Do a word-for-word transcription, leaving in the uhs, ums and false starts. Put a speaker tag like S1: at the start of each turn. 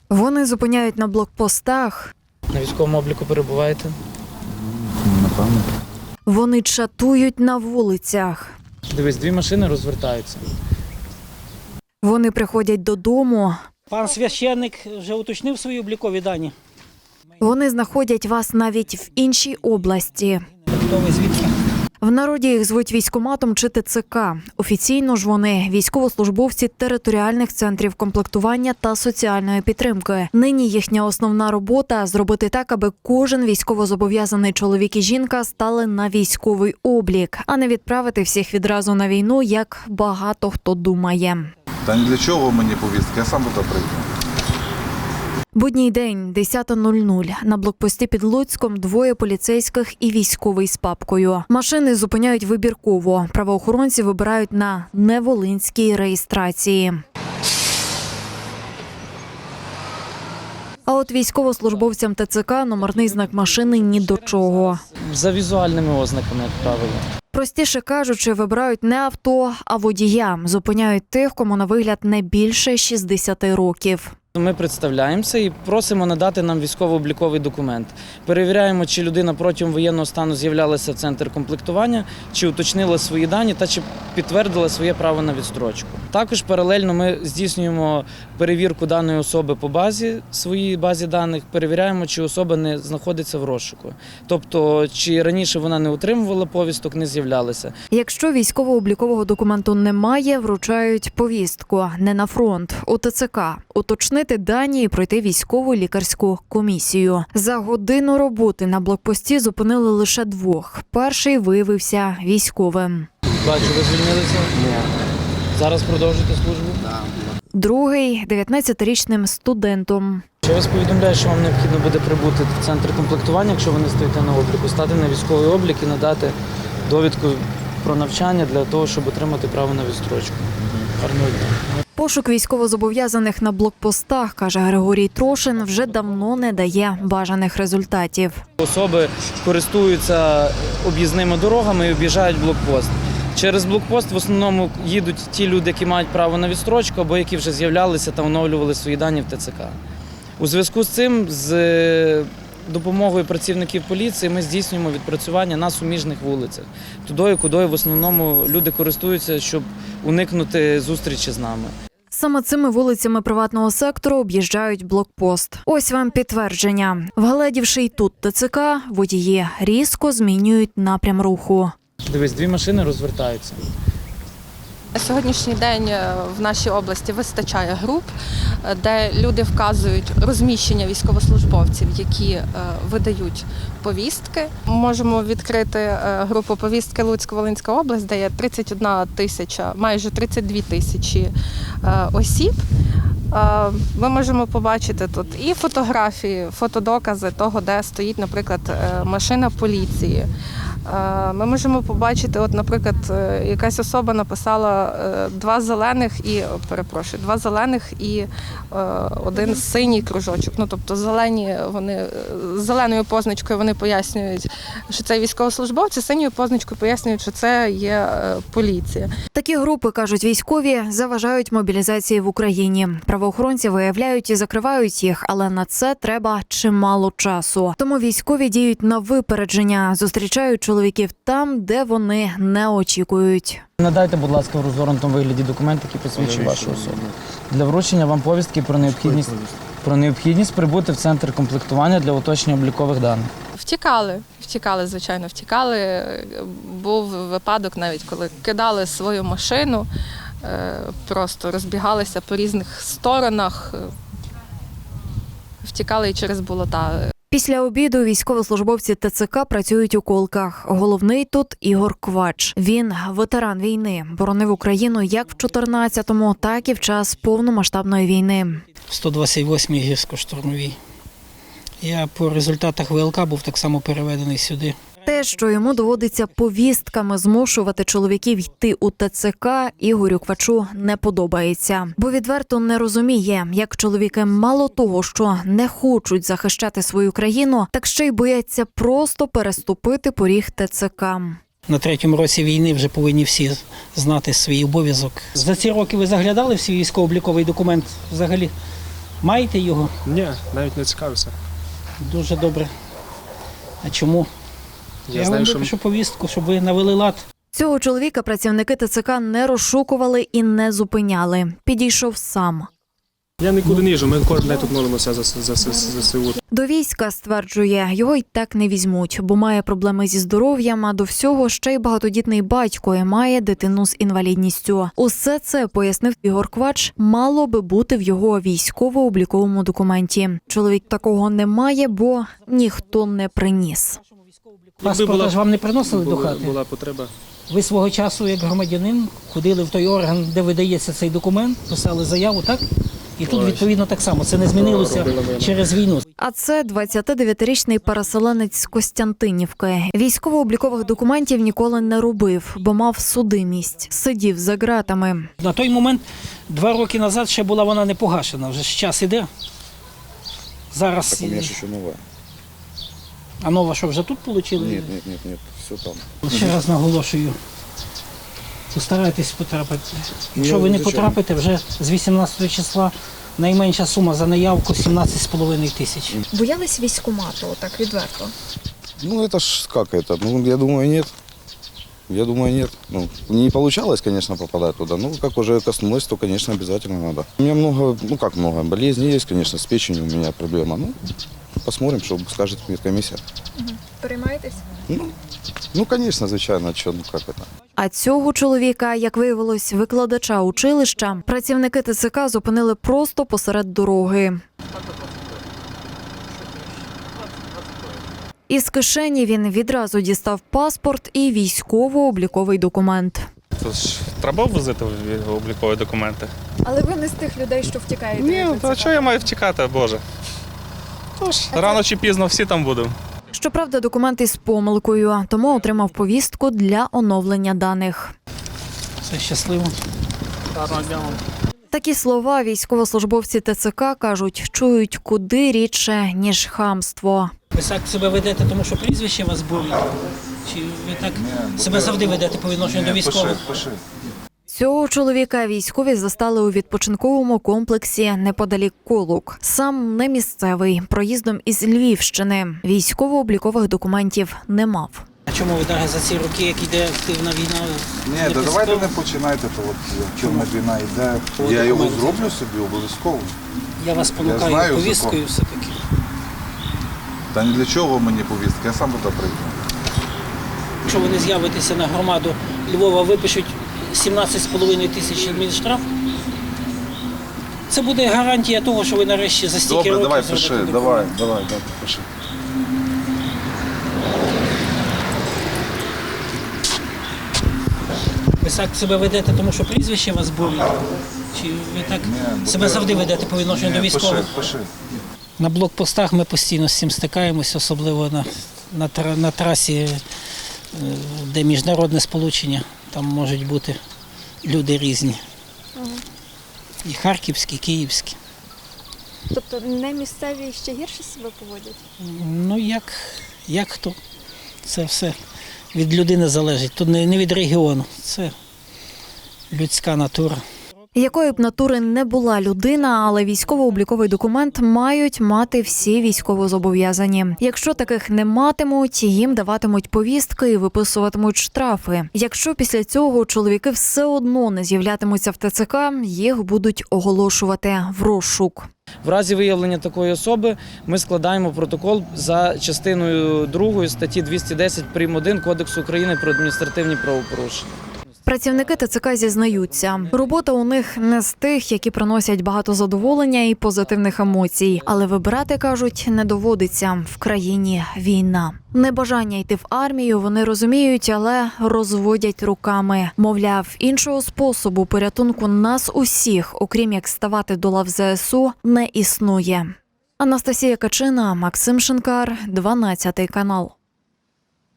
S1: Вони зупиняють на блокпостах.
S2: На військовому обліку перебуваєте?
S3: Напевно.
S1: Вони чатують на вулицях.
S2: Дивись, дві машини розвертаються.
S1: Вони приходять додому.
S4: Пан священник вже уточнив свої облікові дані.
S1: Вони знаходять вас навіть в іншій області.
S4: Хто ви звідки?
S1: В народі їх звуть військкоматом чи ТЦК. Офіційно ж вони – військовослужбовці територіальних центрів комплектування та соціальної підтримки. Нині їхня основна робота – зробити так, аби кожен військовозобов'язаний чоловік і жінка стали на військовий облік, а не відправити всіх відразу на війну, як багато хто думає.
S3: Та ні для чого мені повістки, я сам туди прийду.
S1: Будній день, десята нуль нуль. На блокпості під Луцьком двоє поліцейських і військовий з папкою. Машини зупиняють вибірково. Правоохоронці вибирають на неволинській реєстрації. А от військовослужбовцям ТЦК номерний знак машини ні до чого.
S2: За візуальними ознаками, як правило.
S1: Простіше кажучи, вибирають не авто, а водія. Зупиняють тих, кому на вигляд не більше шістдесяти років.
S2: Ми представляємося і просимо надати нам військово-обліковий документ. Перевіряємо, чи людина протягом воєнного стану з'являлася в центр комплектування, чи уточнила свої дані та чи підтвердила своє право на відстрочку. Також паралельно ми здійснюємо перевірку даної особи по базі, своїй базі даних, перевіряємо, чи особа не знаходиться в розшуку. Тобто, чи раніше вона не отримувала повісток, не з'являлася.
S1: Якщо військово-облікового документу немає, вручають повістку не на фронт, у ТЦК. Уточнити дані і пройти військову лікарську комісію. За годину роботи на блокпості зупинили лише двох. Перший виявився військовим.
S2: Бачу, ви звільнилися? Ні. Зараз продовжуєте службу? Так.
S1: Другий – дев'ятнадцятирічним студентом.
S2: Я вас повідомляю, що вам необхідно буде прибути в центр комплектування, якщо ви не стоїте на обліку, стати на військовий облік і надати довідку про навчання для того, щоб отримати право на відстрочку. Гарного дня.
S1: Пошук військовозобов'язаних на блокпостах, каже Григорій Трошин, вже давно не дає бажаних результатів.
S2: Особи користуються об'їзними дорогами і об'їжджають блокпост. Через блокпост в основному їдуть ті люди, які мають право на відстрочку або які вже з'являлися та оновлювали свої дані в ТЦК. У зв'язку з цим, з допомогою працівників поліції ми здійснюємо відпрацювання на суміжних вулицях. Тудою, кудою в основному люди користуються, щоб уникнути зустрічі з нами.
S1: Саме цими вулицями приватного сектору об'їжджають блокпост. Ось вам підтвердження. Вгледівши й тут ТЦК, водії різко змінюють напрям руху.
S2: Дивись, дві машини розвертаються.
S5: На сьогоднішній день в нашій області вистачає груп, де люди вказують розміщення військовослужбовців, які видають повістки. Можемо відкрити групу повістки Луцько-Волинська область, де є тридцять одна тисяча, майже тридцять дві тисячі осіб. Ми можемо побачити тут і фотографії, фотодокази того, де стоїть, наприклад, машина поліції. Ми можемо побачити, от, наприклад, якась особа написала два зелених і, перепрошую, два зелених і один синій кружочок. Ну, тобто зелені, вони, зеленою позначкою вони пояснюють, що це військовослужбовці, синьою позначкою пояснюють, що це є поліція.
S1: Такі групи, кажуть військові, заважають мобілізації в Україні. Правоохоронці виявляють і закривають їх, але на це треба чимало часу. Тому військові діють на випередження, зустрічають чоловіків там, де вони не очікують.
S2: Надайте, будь ласка, в розгорнутому вигляді документ, який посвідчує вашу особу. Для вручення вам повістки про необхідність, про необхідність прибути в центр комплектування для уточнення облікових даних.
S5: Втікали, втікали, звичайно, втікали. Був випадок навіть, коли кидали свою машину, просто розбігалися по різних сторонах, втікали і через болота.
S1: Після обіду військовослужбовці ТЦК працюють у колках. Головний тут Ігор Квач. Він ветеран війни, боронив Україну як в чотирнадцятому, так і в час повномасштабної війни.
S4: В сто двадцять восьмій гірсько-штурмовій. Я по результатах ВЛК був так само переведений сюди.
S1: Те, що йому доводиться повістками змушувати чоловіків йти у ТЦК, Ігорю Квачу не подобається. Бо відверто не розуміє, як чоловіки мало того, що не хочуть захищати свою країну, так ще й бояться просто переступити поріг ТЦК.
S4: На третьому році війни вже повинні всі знати свій обов'язок. За ці роки ви заглядали в свій військово-обліковий документ взагалі? Маєте його?
S6: Ні, навіть не цікавився.
S4: Дуже добре. А чому?
S6: Я,
S4: Я
S6: знаю,
S4: вам
S6: що
S4: випишу повістку, щоб ви навели лад.
S1: Цього чоловіка працівники ТЦК не розшукували і не зупиняли. Підійшов сам.
S6: я нікуди не їжджу, ми кожен день тут молимося за, за, за, за ЗСУ.
S1: До війська, стверджує, його й так не візьмуть, бо має проблеми зі здоров'ям, а до всього ще й багатодітний батько і має дитину з інвалідністю. Усе це, пояснив Ігор Квач, мало би бути в його військово-обліковому документі. Чоловік такого не має, бо ніхто не приніс.
S4: Паспорта
S6: була-
S4: ж вам не приносили до
S6: Була,
S4: хати?
S6: була потреба.
S4: Ви свого часу, як громадянин, ходили в той орган, де видається цей документ, писали заяву, так? І тут,
S6: Ой.
S4: відповідно, так само. Це не змінилося
S6: Робила вина.
S4: через війну.
S1: А це двадцятидев'ятирічний переселенець з Костянтинівки. Військово-облікових документів ніколи не робив, бо мав судимість. Сидів за ґратами.
S4: На той момент, два роки назад, ще була вона не погашена. Вже ж час іде. Зараз.
S7: Так у меня же еще новая.
S4: А нова що, вже тут отримали?
S7: Нет, нет, нет, нет, все там.
S4: Ще раз наголошую. Постарайтесь потрапити. Якщо
S7: Ну,
S4: ви не
S7: звичайно.
S4: потрапите, вже з вісімнадцятого числа найменша сума за наявку сімнадцять з половиною тисяч.
S1: Боялись військкомату, так відверто.
S7: Ну это ж как это? Ну я думаю нет. Я думаю нет. Ну не получалось, конечно, попадать туда. Ну как уже коснулось, то, конечно, обязательно надо. У меня много, ну как много, болезней есть, конечно, с печенью у меня проблема. Ну посмотрим, что скажет медкомиссия.
S1: Переймаєтесь?
S7: Ну, ну конечно, звичайно, что, ну как это.
S1: А цього чоловіка, як виявилось, викладача училища, працівники ТЦК зупинили просто посеред дороги. Із кишені він відразу дістав паспорт і військово-обліковий документ.
S8: Це ж треба возити облікові документи.
S9: Але ви не з тих людей, що втікаєте.
S8: Ні,
S9: від
S8: то
S9: ТЦК.
S8: чого я маю втікати, Боже? Тож, рано чи пізно всі там будемо.
S1: Щоправда, документ із помилкою, тому отримав повістку для оновлення даних.
S4: Все щасливо.
S1: Такі слова військовослужбовці ТЦК, кажуть, чують куди рідше, ніж хамство.
S4: Ви так себе ведете, тому що прізвище вас болить? Чи ви так себе завжди ведете по відношенню до військових?
S3: Пиши, пиши.
S1: Цього чоловіка військові застали у відпочинковому комплексі неподалік Колук. Сам не місцевий, проїздом із Львівщини. Військово-облікових документів не мав.
S4: А чому ви навіть за ці роки, як йде активна війна?
S3: Ні,
S4: не
S3: да давайте не
S4: підстав-
S3: починайте, то от чорна війна йде.
S4: По
S3: Я його
S4: документам.
S3: зроблю собі обов'язково.
S4: Я вас
S3: Я
S4: понукаю
S3: знаю
S4: повісткою
S3: закон.
S4: все-таки.
S3: Та ні для чого мені повістка, я сам туди прийду.
S4: Якщо ви не з'явитеся на громаду Львова, випишуть сімнадцять з половиною тисяч адмінштраф, це буде гарантія того, що ви нарешті за стільки
S3: Добре,
S4: років
S3: давай,
S4: зробите
S3: пиши,
S4: документ.
S3: давай, давай, давай, пиши.
S4: Ви так себе ведете, тому що прізвище вас болить? Чи ви так
S3: бо
S4: себе
S3: ти-
S4: завжди ведете по відношенню до
S3: Ні, пиши,
S4: військових?
S3: пиши.
S4: На блокпостах ми постійно з цим стикаємось, особливо на, на, тра- на трасі, е, де міжнародне сполучення. Там можуть бути люди різні. І харківські, і київські.
S9: Тобто не місцеві ще гірше себе поводять?
S4: Ну, як, як хто? Це все від людини залежить. Тут не, не від регіону, це людська натура.
S1: Якою б натури не була людина, але військово-обліковий документ мають мати всі військовозобов'язані. Якщо таких не матимуть, їм даватимуть повістки і виписуватимуть штрафи. Якщо після цього чоловіки все одно не з'являтимуться в ТЦК, їх будуть оголошувати в розшук.
S2: В разі виявлення такої особи ми складаємо протокол за частиною другої статті двісті десять прим. один Кодексу України про адміністративні правопорушення.
S1: Працівники ТЦК зізнаються, робота у них не з тих, які приносять багато задоволення і позитивних емоцій. Але вибирати, кажуть, не доводиться. В країні війна. Небажання йти в армію вони розуміють, але розводять руками. Мовляв, іншого способу порятунку нас усіх, окрім як ставати до лав ЗСУ, не існує. Анастасія Качина, Максим Шинкар, дванадцятий канал.